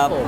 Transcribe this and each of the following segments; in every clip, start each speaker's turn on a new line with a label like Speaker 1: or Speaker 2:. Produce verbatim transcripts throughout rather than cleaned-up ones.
Speaker 1: ครับผม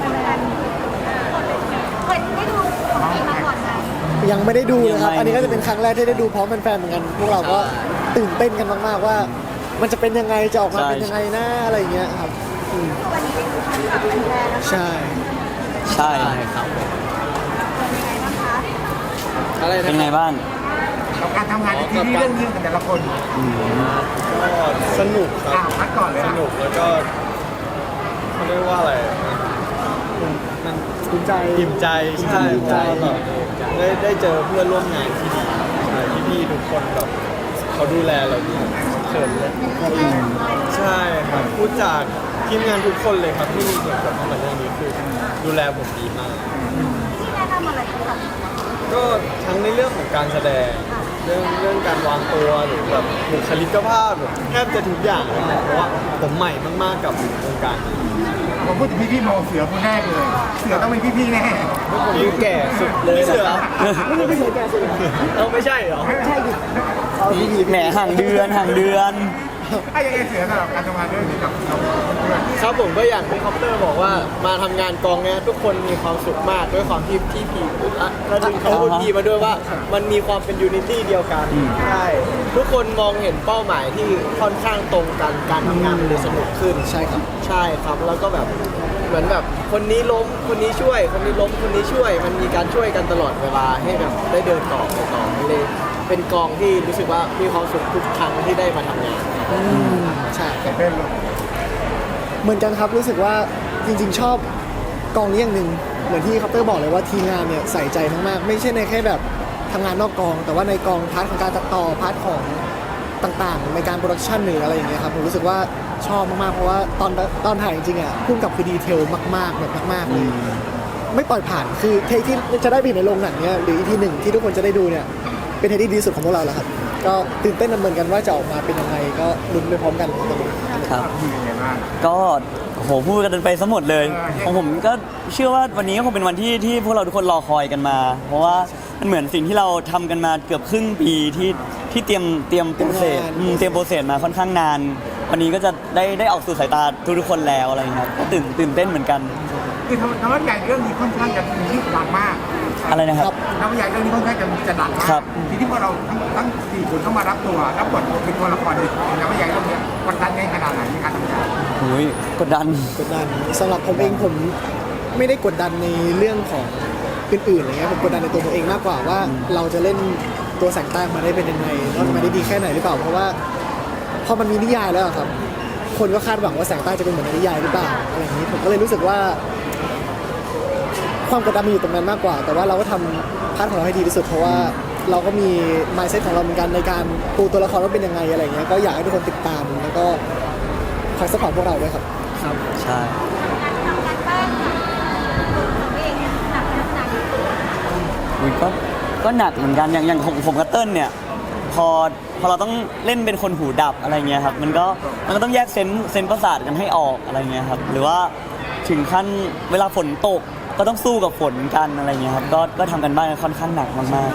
Speaker 2: เคยได้ดูของนี้มาก่อนไหม
Speaker 3: ยังไม่ได้ดูเลยครับอันนี้ก็จะเป็นครั้งแรกที่ได้ดูพร้อมแฟนๆเหมือนกันพวกเราก็ตื่นเต้นกันมากๆว่า มันจะเป็นยังไงจะออกมาเป็นยังไงนะอะไรอย่างเงี้ยครับอืม
Speaker 2: วันนี้ได้ดูพร้อมกับแฟนๆแล้ว
Speaker 3: ใช่
Speaker 1: ใช่
Speaker 4: ครับ
Speaker 2: เป็นยังไงบ้างคะ
Speaker 4: อะไร
Speaker 1: เป็น
Speaker 4: นะ
Speaker 1: ไงบ้าง
Speaker 5: กับการทำงานในทีวีเรื่องนี้กันแต่ละคน
Speaker 4: ก็สนุกค
Speaker 5: อ่า
Speaker 4: รับ
Speaker 5: พักก่อนเลย
Speaker 4: ส
Speaker 5: นะ
Speaker 4: นุกแล้วก็เขาเรียกว่าอะไรมัน
Speaker 3: ภูมิใจ
Speaker 4: อิ่มใจใช่ใช่แบบได้ได้เจอเพื่อนร่วมงานที่ดีใช่พี่ๆทุกคนแบบเขาดูแลเราดีเขินเลยใช่ครับพูดจากทีมงานทุกคนเลยครับที่มีส่วนเกี่ยวข้องกับเรื่องนี้คือดูแลผมดีมาก
Speaker 2: ที่แนะนำอะไรบ้างคะ
Speaker 4: ก็ทั้งในเรื่องของการแสดงเรื่องเรื่องการวางตัวหรือแบบบุคลิกภาพแบบแทบจะทุกอย่างเลยนะเพราะว่าผมใหม่มากๆกับวงการนี้
Speaker 5: ผมพูดถึงพี่พี่ๆมองเสือคนแรกเลย เสือต้องเป็นพี่พี่ๆแน่
Speaker 4: ผมอยู่แก่สุดเลยนะครับ
Speaker 3: ไม่ได้ไม่ใช่แกสุด
Speaker 4: เราไม่ใช่เหรอ
Speaker 3: ใช่ดิเอาดีดี
Speaker 1: แหมห่างเดือนห่างเดือน
Speaker 5: ถ้ายังไงเสือสำหรับการทำงานเรื่องนี้กับเราเพื่อน
Speaker 4: ครับผมก็อย่างที่คอปเตอร์บอกว่ามาทำงานกองเนี้ยทุกคนมีความสุขมากด้วยความที่ที่พีอ่ะแล้วดึงเขาพีมาด้วยว่ามันมีความเป็นยูนิตี้เดียวกันใช่ทุกคนมองเห็นเป้าหมายที่ค่อนข้างตรงกันการทำงานมันเลยสนุกขึ้น
Speaker 3: ใช่ครับ
Speaker 4: ใช่ครับแล้วก็แบบเหมือนแบบคนนี้ล้มคนนี้ช่วย คนนี้ล้มคนนี้ช่วย มันมีการช่วยกันตลอดเวลาให้แบบได้เดินต่อไปต่อมันเลยเป็นกองที่รู้สึกว่ามีความสุขทุกครั้งที่ได้มาทำงาน
Speaker 3: อืมใช่
Speaker 5: แต่เป็นเลย
Speaker 3: เหมือนกันครับรู้สึกว่าจริงๆชอบกองนี้อย่างหนึ่งเหมือนที่คอปเตอร์บอกเลยว่าทีมงานเนี่ยใส่ใจมากๆไม่ใช่ในแค่แบบทำงานนอกกอง แต่ว่าในกองพาร์ทของการตัดต่อพาร์ทของต่างๆ ในการโปรดักชันหรืออะไรอย่างเงี้ยครับผมรู้สึกว่าชอบมากๆเพราะว่าตอนตอนถ่ายจริงๆอ่ะพุ่งกับคือดีเทลมากๆแบบมากๆเลยไม่ปล่อยผ่านคือเทคที่จะได้ไปเห็นในโรงหนังเนี่ยหรืออีพีหนึ่งที่ทุกคนจะได้ดูเนี่ยเป็นเทคที่ดีที่สุดของพวกเราแล้วครับก็ตื่นเต้นเหมือนกันว่าจะออกมาเป็นยังไงก็ลุ้นไปพร้อมกันตรงนี้
Speaker 1: ครับ
Speaker 5: มียังไงบ้าง
Speaker 1: ก็โหพูดกันไปซะหมดเลย
Speaker 5: เออ
Speaker 1: ของผมก็เชื่อว่าวันนี้ก็คงเป็นวันที่ที่พวกเราทุกคนรอคอยกันมา เพราะว่ามันเหมือนสิ่งที่เราทำกันมาเกือบครึ่งปีที่ที่เตรียมเตรียมโปรเซสอืมเตรียมโปรเซสมาค่อนข้างนาน วันนี้ก็จะได้ได้ออกสู่สายตาทุกๆคนแล้วอะไรอย่างเงี้ยครับก็ตื่นตื่นเต้นเหมือนกัน
Speaker 5: คือทำทำให้ใหญ่เรื่องนี้ค่อนข้างจะมีที่ดังมาก
Speaker 1: อะไรนะครับ
Speaker 5: ทำให้ใหญ่เรื่องนี้ค่อนข้างจะจะดังมาก
Speaker 1: ครับ
Speaker 5: ทีนี้พอเราทั้งทั้งสี่คนต้องมารับตัวรับบทเป็นตัวละครเองทำให้ใหญ่เรื่องนี้กดดันในขนาดไหนในการทำงาน
Speaker 1: โอ้ยกดดัน
Speaker 3: กดดันสำหรับผมเองผมไม่ได้กดดันในเรื่องของอื่นๆอะไรเงี้ยผมกดดันในตัวผมเองมากกว่าว่าเราจะเล่นตัวแสงใต้มาได้เป็นยังไงแล้วมาได้ดีแค่ไหนหรือเปล่าเพราะว่าพอมันมีนิยายแล้วอะครับ คนก็คาดหวังว่าแสงใต้จะเป็นเหมือนในนิยายหรือเปล่าอะไรอย่างนี้ผมก็เลยรู้สึกว่า ความกดดันมันอยู่ตรงนั้นมากกว่า แต่ว่าเราก็ทำพาร์ทของเราให้ดีที่สุดเพราะว่าเราก็มี mindset ของเราเหมือนกันในการปูตัวละครว่าเป็นยังไงอะไรเงี้ยก็อยากให้ทุกคนติดตามแล้วก็คอยสปอร์ตพวกเราด้วยครับ
Speaker 4: ครับ
Speaker 1: ใช่
Speaker 2: การทำการบ้านของตัวเองเนี่ยหนักขนาดไหน
Speaker 1: มันก็ก็หนักเหมือนกันอย่างอย่างของผมกับเติ้ลเนี่ยพอพอเราต้องเล่นเป็นคนหูดับอะไรเงี้ยครับมันก็มันก็ต้องแยกเซนส์เซนส์ประสาทกันให้ออกอะไรเงี้ยครับหรือว่าถึงขั้นเวลาฝนตกก็ต้องสู้กับฝนกันอะไรเงี้ยครับก็ก็ทำกันบ้านกันค่อนข้างหนักมาก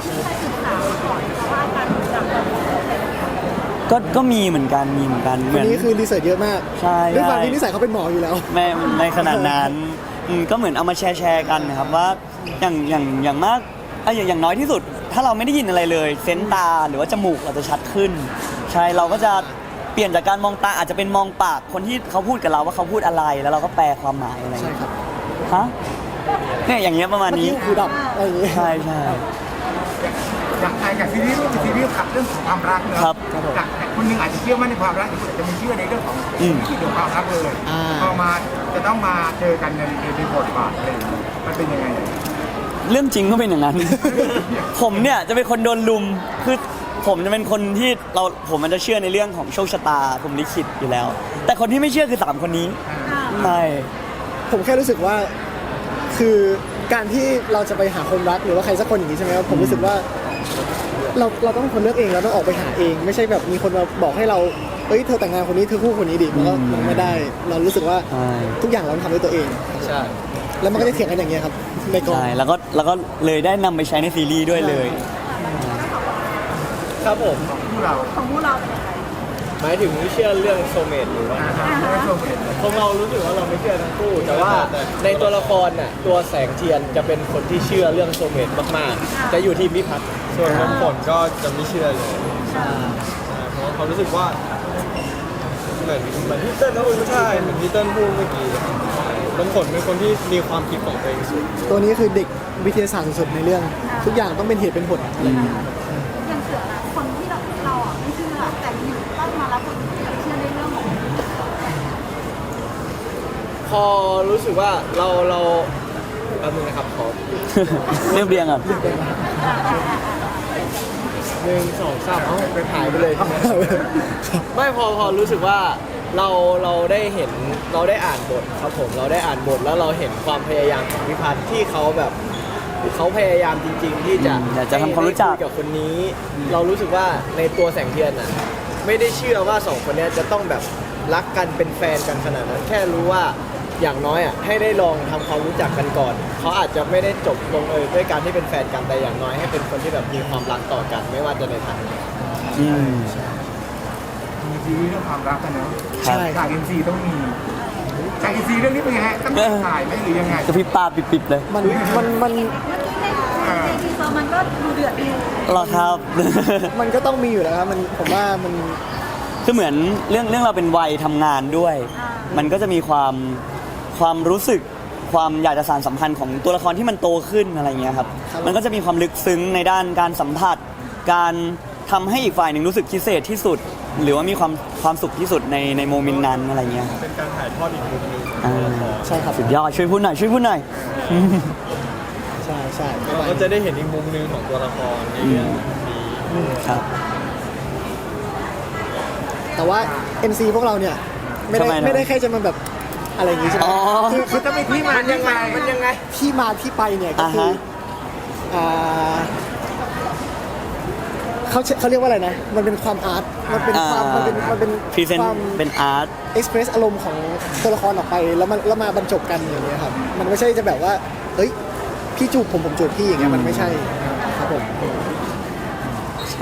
Speaker 1: ๆก็ก็มีเหมือนกันมีเหมือนกันเห
Speaker 3: วั
Speaker 1: มื
Speaker 3: น
Speaker 1: อน
Speaker 3: นี้คือรีเสิร์ชเยอะมาก
Speaker 1: ใช่
Speaker 3: ด้วยความ
Speaker 1: ใช่
Speaker 3: ที่นิสัยเขาเป็นหมออยู่แล้ว
Speaker 1: ไม่ในขนาดนั้นอืมก็เหมือนเอามาแชร์แชร์กันนะครับว่าอย่างอย่างอย่างมากเอ้ยอย่างอย่างน้อยที่สุด ถ้าเราไม่ได้ยินอะไรเลยเซนส์ตาหรือว่าจมูกเราจะชัดขึ้น ใช่เราก็จะเปลี่ยนจากการมองตาอาจจะเป็นมองปากคนที่เขาพูดกับเราว่าเขาพูดอะไรแล้วเราก็แปลความหมายอะไร
Speaker 3: ใช่ครับ
Speaker 1: ฮะเนี่ยอย่างเงี้ยประมาณ
Speaker 3: เมื่อ
Speaker 1: นี้
Speaker 3: กี้หูดับอะไรอย่างเงี้ย
Speaker 1: ใช่ใช่
Speaker 5: อย่างไทยกับซีรีส์เป็นซีรีส์ขับเรื่องของความรักเนอะ
Speaker 1: ครับ
Speaker 5: จากคนหนึงอาจจะเชื่อมั่นในความรักอีกคนอาจจะไม่เชื่อในเรื่องของ
Speaker 1: อืม
Speaker 5: ที่เกี่ยวกับความรักเลย
Speaker 3: อ่า
Speaker 5: พอมาจะต้องมาเจอกันในในบทบาทอะไรอย่างเงี้ยมันเป็นยังไง
Speaker 1: เรื่องจริงก็เป็นอย่างนั้น ผมเนี่ยจะเป็นคนโดนลุมคือผมจะเป็นคนที่เราผมมันจะเชื่อในเรื่องของโชคชะตาผมลิขิตอยู่แล้ว แต่คนที่ไม่เชื่อคือสามคนนี้ใช่
Speaker 3: ผมแค่รู้สึกว่าคือการที่เราจะไปหาคนรักหรือว่าใครสักคนอย่างนี้ใช่ไหมครับผมรู้สึกว่า เราเราต้องเป็นคนเลือกเองเราต้องออกไปหาเอง ไม่ใช่แบบมีคนมาบอกให้เราเอ้ยเธอแต่งงานคนนี้เธอคู่คนนี้ดิมันก็มันไม่ได้ เรารู้สึกว่า
Speaker 1: ใช่
Speaker 3: ทุกอย่างเราทำด้วยตัวเอง
Speaker 4: ใช่
Speaker 3: แล้วมันก็จะเถียงกันอย่างเงี้ยครับในกอง
Speaker 1: ใช่แล้วก็แล้วก็เลยได้นำไปใช้ในซีรีส์ด้วยเลย
Speaker 4: ครับผม
Speaker 5: ของพวกเรา
Speaker 2: ของพวกเราเป็นยังไง
Speaker 4: ขหมายถึงเชื่อเรื่องโซเมตหรือว่า
Speaker 5: อ่าฮะไม่ชมเลย
Speaker 4: พวกเรารู้สึกว่าเราไม่เชื่อทั้งคู่ แต่ว่าในตัวละครน่ะตัวแสงเทียนจะเป็นคนที่เชื่อเรื่องโซเมตมากๆ จะอยู่ทีมพิพัฒน์ส่วนน้ำฝนก็จะไม่เชื่อเลยใช่เพราะว่าเขารู้สึกว่าเหมือนเหมือนที่เติ้ลพูดใช่เหมือนที่เติ้ลพูดเมื่อกี้น้ำฝนเป็นคนที่มีความคิดของตัวเองสูง
Speaker 3: ตัวนี้คือเด็กวิทยาศาสตร์สุดๆในเรื่อง ทุกอย่างต้องเป็นเหตุเป็นผลอะไรอย่างเงี้ย
Speaker 2: ยังเสือนะคนที่เราเราอ่ะไม่เชื่อแต่อยู่ต้องมารับบทที่แบบเชื่อในเรื่องของ
Speaker 4: พอรู้สึกว่าเราเราแป๊บนึงนะครับขอ
Speaker 1: เรียบเรียงอ่ะ
Speaker 4: หนึ่งสองสามเอ้าไปหายไปเลยใช่ไหม ไม่พอพอรู้สึกว่าเราเราได้เห็นเราได้อ่านบทครับผมเราได้อ่านบทแล้วเราเห็นความพยายามของพิพัฒน์ที่เขาแบบเขาพยายามจริง ๆ ที่จะ
Speaker 1: อืมอยากจะทำความรู้จัก
Speaker 4: ได้ยกับคนนี้ เรารู้สึกว่าในตัวแสงเทียนน่ะไม่ได้เชื่อว่าสองคนเนี้ยจะต้องแบบรักกันเป็นแฟนกันขนาดนั้นแค่รู้ว่าอย่างน้อยอ่ะให้ได้ลองทำความรู้จักกันก่อนเขาอาจจะไม่ได้จบลงเอยด้วยการที่เป็นแฟนกันแต่อย่างน้อยให้เป็นคนที่แบบมีความรักต่อกัน ไม่ว่าจะในทางไหน
Speaker 1: อืม
Speaker 5: มีซีรีส์เรื่องความรักกันเนาะ
Speaker 3: ใช่
Speaker 5: ฉากเอ็นซีต้องมีฉากเอ็นซีเรื่องนี้เป็นยังไงต้องมีถ่ายไหมหรือยังไง
Speaker 1: กระพริบตาปิบๆเลย
Speaker 3: มันมันมัน
Speaker 2: เมื่อกี้ในในทีเซอร์มันก็ดูเดือดดี
Speaker 1: เหรอครับ
Speaker 3: มันก็ต้องมีอยู่แล้วครับมันผมว่ามัน
Speaker 1: คือเหมือนเรื่องเรื่องเราเป็นวัยทำงานด้วย มันก็จะมีความความรู้สึกความอยากจะสานสัมพันธ์ของตัวละครที่มันโตขึ้นอะไรเงี้ยครับ
Speaker 3: ครับ
Speaker 1: มันก็จะมีความลึกซึ้งในด้านการสัมผัส การทำให้อีกฝ่ายหนึ่งรู้สึกพิเศษที่สุด หรือว่ามีความความสุขที่สุดในในโมเมนต์นั้นอะไรเงี้ยครับ
Speaker 4: เป็นการถ่ายทอดอีกมุมหนึง
Speaker 1: อ่า
Speaker 3: ใช่ครับ
Speaker 1: สุดยอดช่วยพูดหน่อยช่วยพูดหน่อย
Speaker 3: ใช่ใช่
Speaker 4: เราก็จะได้เห็นอีกมุมหนึงของตัวละครในเรื่องนี้
Speaker 1: ครับ
Speaker 3: แต่ว่า เอ็ม ซี พวกเราเนี่ยไม่ได้
Speaker 1: ทำไมนะ
Speaker 3: ไม่ได้แค่จะมาแบบอะไรอย่างงี้ใช่ไหม
Speaker 1: อ๋อ
Speaker 3: คือคือ
Speaker 5: ต้องมีที่มาที่ไป
Speaker 4: มันยังไง
Speaker 3: ที่มาที่ไปเนี่ยก็
Speaker 1: อ่า
Speaker 3: คือ
Speaker 1: ฮะ
Speaker 3: อ่าเขาใช้เขาเรียกว่าอะไรนะ มันเป็นความอาร์ตมันเป็นความมันเป็นมันเป็น
Speaker 1: พรีเซน
Speaker 3: ค
Speaker 1: ต์
Speaker 3: วาม
Speaker 1: เป็นอาร์ต
Speaker 3: เอ็กซ์เพรสอารมณ์ของตัวละครออกไปแล้วมันแล้วมาบรรจบกันอย่างเงี้ยครับมันไม่ใช่จะแบบว่าเฮ้ยพี่จูบผมผมจูบพี่อย่างเงี้ยมันไม่ใช่ครับผม
Speaker 1: ใช่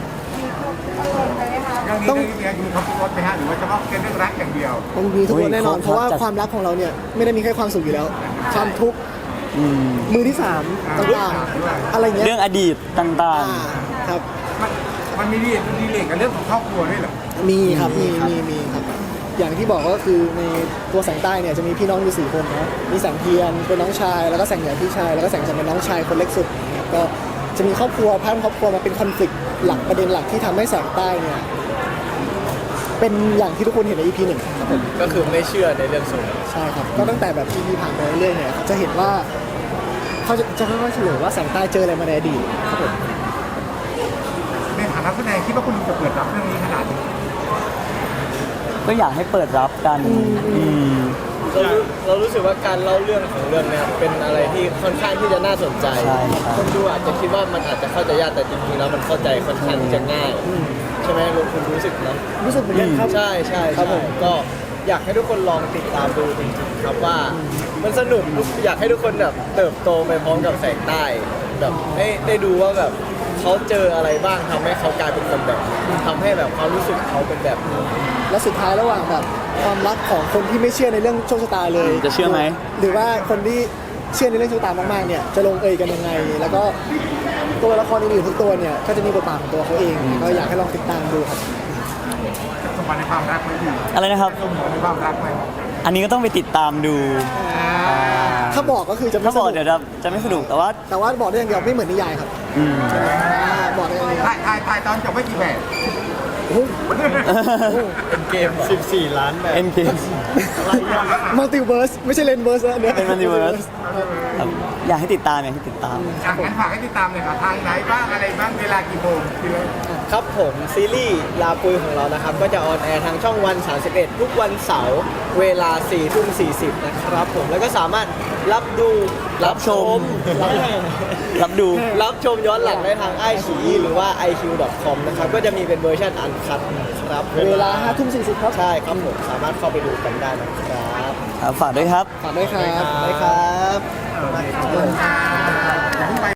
Speaker 5: เรื่องนี้เรื่องนี้เนี่ยคือครบรถไหมฮะหรือว่าเฉพาะแค่เรื่องรักอย่างเดียว
Speaker 3: มันมีทุกคนแน่นอน
Speaker 1: โอ้ย
Speaker 3: เพราะว่า
Speaker 1: จัด
Speaker 3: ความรักของเราเนี่ยไม่ได้มีแค่ความสุขอยู่แล้ว ความทุกข์
Speaker 1: อืม
Speaker 3: มือที่สามต่างๆอะไรเงี้ย
Speaker 1: เรื่องอดีตต่าง
Speaker 3: อ่าครับ
Speaker 5: มันมันมีดีเลกกับเรื่องของครอบครัวด้วยเหรอ
Speaker 3: มีครับมีมีมีครับ อย่างที่บอกก็คือในตัวแสงใต้เนี่ยจะมีพี่น้องอยู่สี่คนเนาะมีแสงเทียนเป็นน้องชาย แล้วก็แสงเหนือพี่ชายแล้วก็แสงจันทร์เป็นน้องชายคนเล็กสุดนะครับก็จะมีครอบครัวภาพครอบครัวมาเป็นคอนฟ lict หลักประเด็นหลักที่ทำให้แสงใต้เนี่ยเป็นอย่างที่ทุกคนเห็นใน อี พี หนึ่งครับผม
Speaker 4: ก็คือไม่เชื่อในเรื่องสูง
Speaker 3: ใช่ครับ ก็ตั้งแต่แบบ อี พี ผ่านไปเรื่อยๆเนี่ยจะเห็นว่าเขาจะจะค่อยๆเฉลยว่าแสงใต้เจออะไรมาในอดีตครับผม
Speaker 5: ในฐานะแสดงคิดว่าคุณจะเปิดรับเรื่องนี้ขนาดนี้
Speaker 1: ๆ ก็อยากให้เปิดรับกัน อืม
Speaker 4: เรารู้เรารู้สึกว่าการเล่าเรื่องของเรื่องเนี้เป็นอะไรที่ค่อนข้างที่จะน่าสนใจ
Speaker 1: ใช่ครับ
Speaker 4: คนดูอาจจะคิดว่ามันอาจจะเข้าใจยากแต่จริงๆแล้วมันเข้าใจค่อนข้างที่จะง่าย ใช่ไหมลุงคุณรู้สึกเนอะ
Speaker 3: รู้สึกเหมือนกันครับ
Speaker 4: ใช่ใช่
Speaker 3: ครับ
Speaker 4: ใช่
Speaker 3: ผม
Speaker 4: ก็อยากให้ทุกคนลองติดตามดูจริงๆครับว่ามันสนุกอยากให้ทุกคนแบบเติบโตไปพร้อมกับแสงใต้แบบให้ได้ดูว่าแบบเขาเจออะไรบ้างทำให้เขากลายเป็นคนแบบนี้ทำให้แบบความรู้สึกเขาเป็นแบบนี้
Speaker 3: และสุดท้ายระหว่างแบบความรักของคนที่ไม่เชื่อในเรื่องโชคชะตาเลย
Speaker 1: จะเชื่อไหม
Speaker 3: หรือว่าคนที่เชื่อในเรื่องโชคชะตามากๆเนี่ยจะลงเอยกันยังไง แล้วก็ตัวละครอื่นๆทุกตัวเนี่ยก็จะมีบทบาทของตัวเขาเองก็อยากให้ลองติดตามดูครับ
Speaker 5: สมบัติในความรักไหมพี่
Speaker 1: อะไรนะครับ
Speaker 5: สมบัติในความรักไหม
Speaker 1: อันนี้ก็ต้องไปติดตามดู
Speaker 3: ถ้าบอกก็คือจะไม่
Speaker 1: ถ้าบอก
Speaker 3: สนุก
Speaker 1: เดี๋ยวจะจะไม่สนุกแต่ว่า
Speaker 3: แต่ว่าบอกได้อย่างเดียวไม่เหมือนนิยายครับ
Speaker 1: อืม
Speaker 3: อ่าบอกได้อย่างเดียว
Speaker 5: ถ่ายถ่ายถ่ายตอนจบไม่กี่แบบ
Speaker 3: โอ้โห
Speaker 4: เป็นเกม สิบสี่ ล้านแบบ
Speaker 1: เอ็มเค
Speaker 3: มัลติเวิร์สไม่ใช่เลนเวิร์สนะเนี่ย
Speaker 1: เป็น Multiverse ครับอยากให้ติดตามอยากให้ติดตาม
Speaker 5: อ่ะงั้นฝากให้ติดตามเลยค่ะทางไหนบ้างอะไรบ้างเวลากี่โมงที่เลย
Speaker 4: ครับผมซีรีส์ลาปุยของเรานะครับ ก็จะออนแอร์ทางช่องวัน สามสิบเอ็ด ทุกวันเสาร์เวลา สี่ทุ่มสี่สิบ นะครับผมแล้วก็สามารถรับดู
Speaker 1: รับชม
Speaker 4: รับ
Speaker 1: รับดู
Speaker 4: รับชมย้อนหลังได้ทางไอชีหรือว่า ไอ คิว ดอท คอม นะครับ ก็จะมีเป็นเวอร์ชันอันคัดนะครับ
Speaker 3: เวลาห้าทุ่มสี่สิบครับ
Speaker 4: ใช่ครับผมสามารถเข้าไปดูกันได้นะครับ
Speaker 1: ครับฝากด้วยครับ
Speaker 3: ฝากด้วยครับ
Speaker 4: ได้ครับ
Speaker 5: ขอบคุณค่ะอย่าเพิ่งไป